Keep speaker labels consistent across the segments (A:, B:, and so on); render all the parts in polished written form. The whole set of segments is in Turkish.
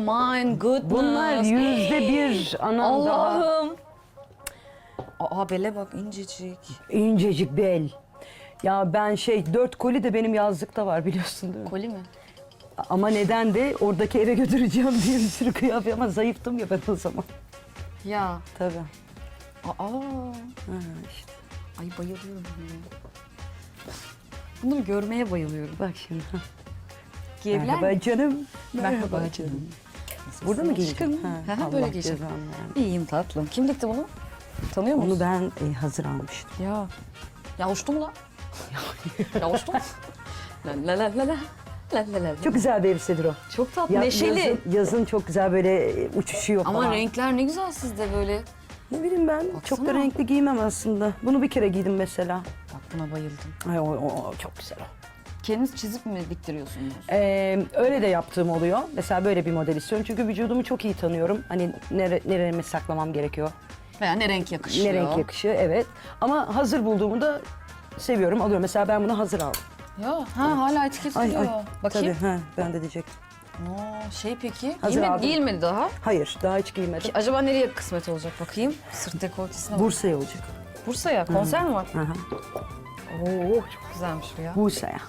A: my goodness.
B: Bunlar %1 anam daha.
A: Allah'ım. Aa bele bak incecik.
B: İncecik bel. Ya ben 4 koli de benim yazlıkta var biliyorsun değil mi?
A: Koli mi?
B: Ama neden de oradaki eve götüreceğim diye bir sürü kıyafet ama zayıftım ya ben o zaman.
A: Ya.
B: Tabii.
A: Aa.
B: Ha, işte.
A: Ay bayılıyorum buna. Bunları görmeye bayılıyorum.
B: Bak şimdi.
A: Giyebilir
B: Merhaba
A: miyim?
B: canım.
A: Merhaba canım.
B: Burada mı giyeceğim?
A: Aşkım.
B: Ha,
A: Ha,
B: Allah
A: böyle giyeceğim.
B: cezanı vermesin.
A: İyiyim tatlım. Kim dikti bunu? Tanıyor musun?
B: Onu ben hazır almıştım.
A: Ya. Ya uçtu mu lan? Ya uçtu mu? La la la la la. La la la.
B: Çok güzel bir elbisedir o.
A: Çok tatlı.
B: Ya-
A: Neşeli.
B: Yazın çok güzel böyle uçuşuyor
A: Ama
B: falan.
A: renkler ne güzel sizde böyle.
B: Ne bileyim ben çok da
A: Baksana.
B: renkli giymem aslında. Bunu bir kere giydim mesela.
A: Bak buna bayıldım.
B: Ay o çok güzel o.
A: Kendiniz çizip mi diktiriyorsunuz?
B: Öyle de yaptığım oluyor. Mesela böyle bir model istiyorum. Çünkü vücudumu çok iyi tanıyorum. Hani nereme saklamam gerekiyor.
A: Veya ne renk yakışıyor?
B: Ne renk yakışıyor evet. Ama hazır bulduğumu da seviyorum alıyorum. Mesela ben bunu hazır aldım.
A: Ya ha hala etiket duruyor. Bakayım.
B: Tabii ben de diyecektim.
A: Peki.
B: Hazır aldım.
A: Giyilmedi daha.
B: Hayır daha hiç giymedim.
A: Acaba nereye kısmet olacak bakayım? Sırt dekoltesine bak.
B: Bursa'ya olacak.
A: Bursa'ya konser mi var?
B: Hı hı.
A: Oo çok güzelmiş bu ya.
B: Bursa'ya.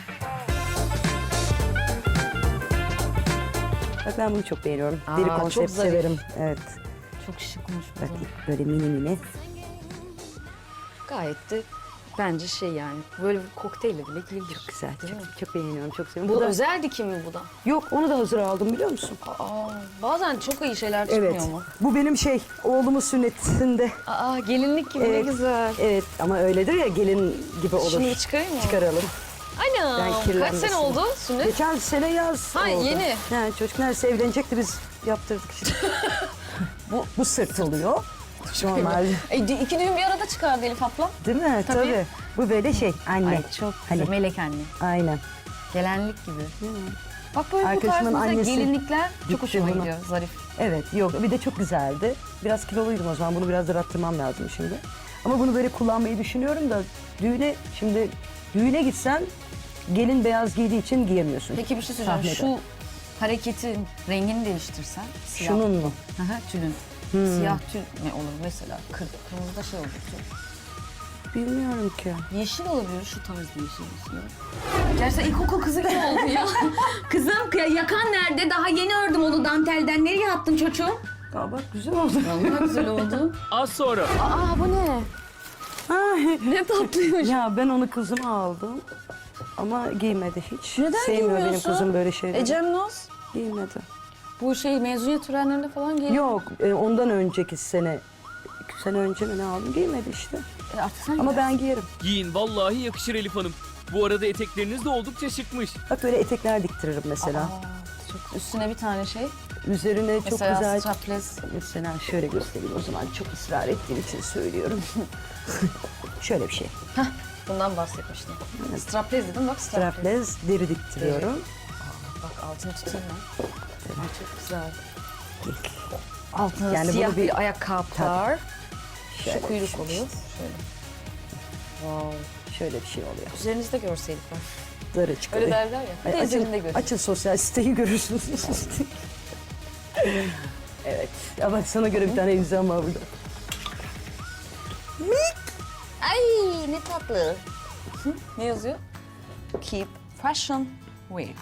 B: Bak ben bunu çok beğeniyorum.
A: Aa,
B: Deri
A: çok
B: konsept
A: zarif.
B: severim. Evet.
A: Çok şıkmış bu
B: Bak
A: da.
B: böyle mini.
A: Gayet de bence yani böyle bir kokteyle bile giyilir.
B: Güzel.
A: Değil mi?
B: Çok beğeniyorum. Çok seviyorum.
A: Bu
B: da
A: özel dikim mi bu da?
B: yok onu da hazır aldım biliyor musun?
A: Aa, bazen çok iyi şeyler çıkmıyor
B: Evet.
A: mu?
B: Bu benim oğlumun sünnetinde.
A: Aa gelinlik gibi ne
B: Evet.
A: güzel.
B: Evet ama öyledir ya gelin gibi olur.
A: Şimdi çıkarayım mı?
B: Çıkaralım.
A: Ana kaç
B: kirlenmesin.
A: sene oldu sünnet?
B: Geçen sene yaz
A: Ha,
B: oldu.
A: yeni.
B: Yani çocuk neredeyse evlenecekti biz yaptırdık işte. bu sırt oluyor. Normal.
A: İki düğün bir arada çıkardı Elif abla.
B: Değil mi?
A: Tabii.
B: Bu böyle anne.
A: Ay çok
B: Hani-
A: güzel. Melek anne.
B: Aynen.
A: Gelenlik gibi. Bak böyle bu
B: Arkadaşımın
A: tarz mesela
B: annesi
A: gelinlikler çok
B: dikti
A: hoşuma
B: bunu.
A: gidiyor. Zarif.
B: Evet yok bir de çok güzeldi. Biraz kiloluydum o zaman bunu biraz da arttırmam lazım şimdi. Ama bunu böyle kullanmayı düşünüyorum da düğüne gitsen gelin beyaz giydiği için giyemiyorsun.
A: Peki bir şey söyleyeceğim.
B: Sahnede.
A: Şu hareketin rengini değiştirsen. Siyah.
B: Şunun mu?
A: Hı hı, tülün. Siyah tül ne olur mesela? Kırmızıda şey olur tül.
B: Bilmiyorum ki.
A: Yeşil olabilir şu tarz bir yeşil mesela. Gerçekten ilkokul kızı gibi oldu ya.
C: Kızım yakan nerede? Daha yeni ördüm onu dantelden. Nereye attın çocuğum?
B: Aa bak güzel oldu.
A: Vallahi güzel oldu.
D: Az sonra.
A: Aa bu ne?
B: Ay,
A: Ne tatlıymış.
B: ya ben onu kızıma aldım. Ama giymedi hiç.
A: Neden
B: Sevmiyor benim
A: giymiyorsun?
B: kızım böyle şeyleri.
A: Ecem Naz.
B: Giymedi.
A: Bu mezuniyet törenlerinde falan geliyor.
B: Yok ondan önceki sene. 2 sene önce mi ne aldım giymedi işte.
A: Artık sen
B: Ama ben giyerim.
D: Giyin vallahi yakışır Elif Hanım. Bu arada etekleriniz de oldukça şıkmış.
B: Bak böyle etekler diktiririm mesela.
A: çok üstüne bir tane şey.
B: Üzerine çok
A: Mesela
B: güzel.
A: strapless.
B: Mesela şöyle göstereyim o zaman çok ısrar ettiğim için söylüyorum. şöyle bir şey.
A: Bundan bahsetmiştim. Strapless dedim bak strapless.
B: Strapless deri diktiriyorum.
A: Bak altını tutayım ben. Ay, çok güzel.
B: Gel.
A: Altına
B: Yani
A: siyah
B: bunu
A: bir ayakkabılar.
B: Şöyle
A: Şu kuyruk
B: bir şey.
A: oluyor. Şöyle. Wow.
B: Şöyle bir şey oluyor.
A: Üzerinizde görseydik ben.
B: Darı çıkıyor.
A: Öyle derler ya. Bir de üzerinde görün.
B: açın sosyal siteyi görürsünüz. evet. Ya bak sana göre bir tane elbisem var burada.
A: Ay ne tatlı. Ne yazıyor? Keep fashion wear.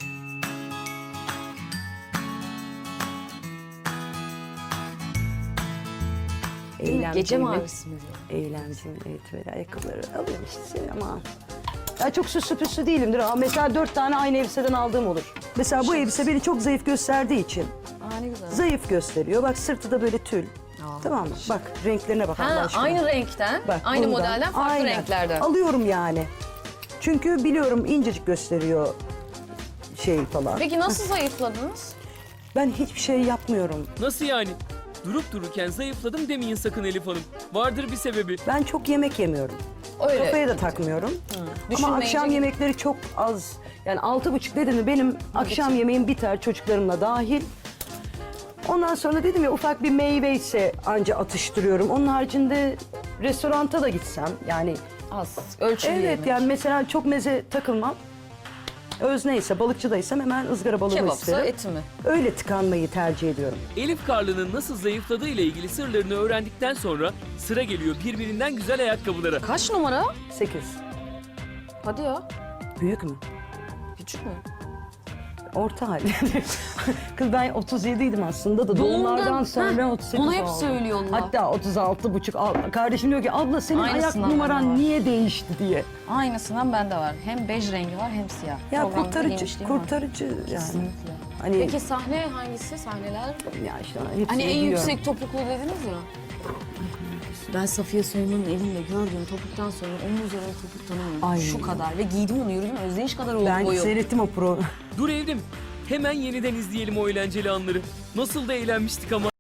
A: Gece mavisi mi diyor?
B: Eğlenceli evet böyle ayakkabıları alıyorum işte ama ya çok süslü püslü değilimdir. Ama mesela 4 tane aynı elbiseden aldığım olur. Mesela bu elbise beni çok zayıf gösterdiği için
A: Aa ne güzel.
B: zayıf gösteriyor. Bak sırtı da böyle tül. Tamam mı? Bak renklerine bak Allah
A: Ha,
B: aşkına.
A: aynı renkten,
B: Bak,
A: aynı
B: bundan.
A: modelden, farklı
B: Aynen.
A: renklerden.
B: Alıyorum yani. Çünkü biliyorum incecik gösteriyor falan.
A: Peki nasıl zayıfladınız?
B: Ben hiçbir şey yapmıyorum.
D: Nasıl yani? Durup dururken zayıfladım demeyin sakın Elif Hanım. Vardır bir sebebi.
B: Ben çok yemek yemiyorum.
A: Öyle.
B: Kafaya da takmıyorum. Ama
A: Düşünmeyince
B: akşam
A: gibi.
B: yemekleri çok az. Yani 6.30 dedim mi benim akşam yemeğim biter çocuklarımla dahil. Ondan sonra dedim ya ufak bir meyve ise anca atıştırıyorum. Onun haricinde restoranta da gitsem yani
A: Az, ölçülü
B: evet
A: yemek.
B: yani mesela çok meze takılmam. Özneyse, balıkçıdaysam hemen ızgara balığımı
A: Kebapsa
B: isterim.
A: eti mi?
B: Öyle tıkanmayı tercih ediyorum.
D: Elif Karlı'nın nasıl zayıfladığı ile ilgili sırlarını öğrendikten sonra sıra geliyor birbirinden güzel ayakkabılara.
A: Kaç numara?
B: 8.
A: Hadi ya.
B: Büyük mü?
A: Küçük mü?
B: Orta hal. Kız ben 37'ydim aslında da doğumlardan sonra 38
A: Onu hep
B: oldum.
A: söylüyorlar.
B: Hatta 36,5. Kardeşim diyor ki abla senin ayak
A: Aynısından bende
B: numaran
A: var.
B: niye değişti diye.
A: Aynısından bende var. Hem bej rengi var hem siyah.
B: Ya
A: Programda giymişliğim var.
B: kurtarıcı yani.
A: Kesinlikle.
B: Hani
A: Peki sahne hangisi? Sahneler?
B: ya işte hepsini
A: Hani en
B: biliyorum.
A: yüksek topuklu dediniz ya. Ben Safiye Soyun'un elinde gördüğüm topuktan sonra onun üzerine topuk tanımıyorum.
B: Ay.
A: Şu kadar ve giydim onu yürüdüm özdeyiş kadar oldu
B: Ben
A: boyu.
B: seyrettim o pro.
D: Dur Evrim, hemen yeniden izleyelim o eğlenceli anları. Nasıl da eğlenmiştik ama.